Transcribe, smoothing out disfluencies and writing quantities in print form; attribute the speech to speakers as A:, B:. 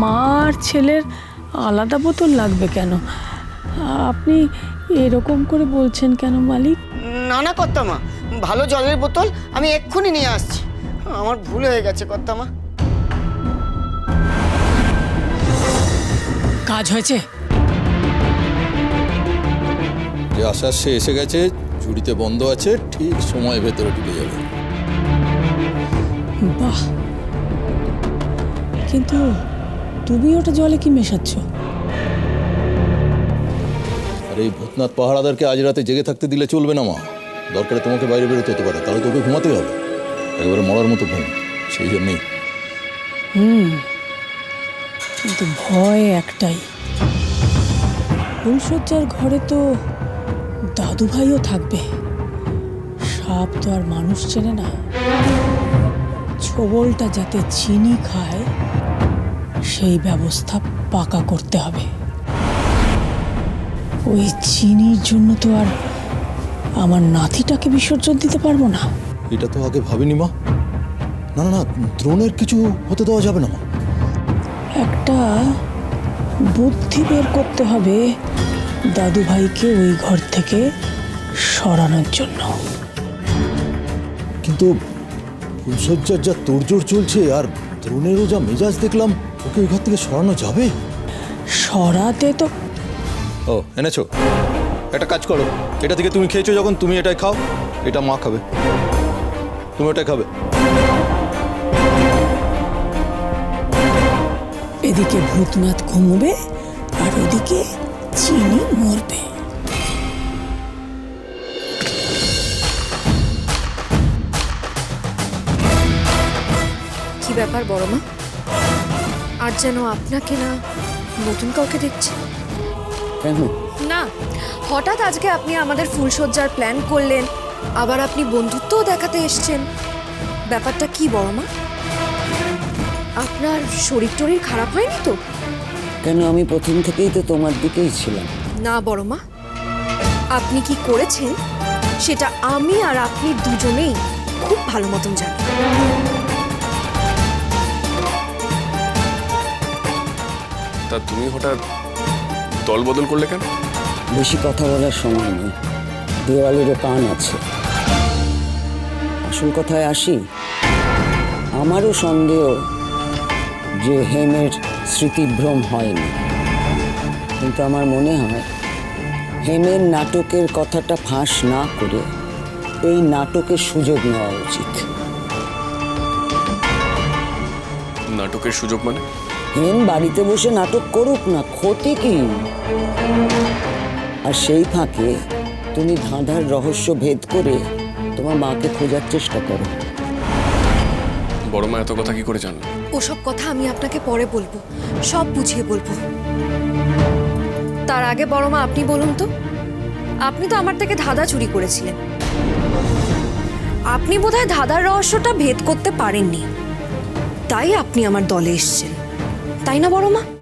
A: মা আর ছেলের আলাদা বোতল লাগবে কেন? আপনি এরকম করে বলছেন কেন মালিক?
B: না না কর্তামা, ভালো জলের বোতল আমি এক্ষুনি নিয়ে আসছি। আমার ভুল হয়ে গেছে কর্তামা।
A: কাজ হয়েছে?
C: যে আসার সে এসে গেছে, ঝুড়িতে বন্ধ আছে, ঠিক সময় ভেতরে ঢুকে যাবে।
A: বাহ, কিন্তু তুমি ওটা জলে কি মেশাচ্ছ?
C: আর এই ভূতনাথ পাহারাদারকে আজ রাতে জেগে থাকতে দিলে চলবে না মা। দরকারে তোমাকে বাইরে বেরোতে হতে পারে, তাহলে তোকে ঘুমাতেই হবে। একেবারে মরার মতো ঘুম, সেই জন্যেই।
A: কিন্তু ভয় একটাই, ফুলশয্যার ঘরে তো দাদু ভাইও থাকবে। সাপ তো আর মানুষ চেনে না। ছোবলটা যাতে চিনি খায় সেই ব্যবস্থা পাকা করতে হবে। ওই চিনির জন্য তো আর আমার নাতিটাকে বিসর্জন দিতে পারবো না।
C: এটা তো আগে ভাবিনি মা। না না না, দ্রোণের কিছু হতে দেওয়া যাবে না মা।
A: একটা বুদ্ধি বের করতে হবে দাদু ভাইকে ওই ঘর থেকে সরানোর জন্য।
C: কিন্তু ফুলশয্যার যা তোড়জোড় চলছে আর দ্রোণেরও যা মেজাজ দেখলাম, ওকে ওই ঘর থেকে সরানো যাবে?
A: সরাতে তো
C: ও এনেছো, একটা কাজ করো, এটা থেকে তুমি খেয়েছো যখন, তুমি এটাই খাও। এটা মা খাবে, তুমি ওটাই খাবে।
A: এদিকে ভূতনাথ ঘুমবে আর ওদিকে চিনি মরবে।
D: কি ব্যাপার বড় মা, আজ যেন আপনাকে না নতুন কাউকে দেখছি?
E: কেন?
D: না, হঠাৎ আজকে আপনি আমাদের ফুলশয্যার প্ল্যান করলেন, আবার আপনি বন্ধুত্বও দেখাতে এসছেন। ব্যাপারটা কি বড় মা? আপনার শরীর টরীর খারাপ হয়নি তো?
E: কেন, আমি প্রথম থেকেই তো তোমার দিকেই ছিলাম।
D: না বড় মা, আপনি কি করেছেন সেটা আমি আর আপনি দুজনেই খুব ভালো মতন জানি।
F: তা তুমি হঠাৎ দল বদল করলে কেন?
E: বেশি কথা বলার সময় নেই, দেওয়ালেরও কান আছে। আসল কথায় আসি, আমারও সন্দেহ যে হেমের স্মৃতিভ্রম হয়নি, কিন্তু আমার মনে হয় হেমের নাটকের কথাটা ফাঁস না করে এই নাটকের সুযোগ নেওয়া উচিত।
F: নাটকের সুযোগ মানে?
E: হেম বাড়িতে বসে নাটক করুক না, ক্ষতি কি? আর সেই ফাঁকে তুমি ধাঁধার রহস্য ভেদ করে তোমার মাকে খোঁজার চেষ্টা করো।
F: বড় মা এত কথা কি করে জানলো?
D: ওসব কথা আমি আপনাকে পরে বলবো, সব বুঝিয়ে বলবো। তার আগে বড় মা আপনি বলুন তো, আপনি তো আমার থেকে ধাঁধা চুরি করেছিলেন। আপনি বোধহয় ধাঁধার রহস্যটা ভেদ করতে পারেননি, তাই আপনি আমার দলে এসেছেন, তাই না বড় মা?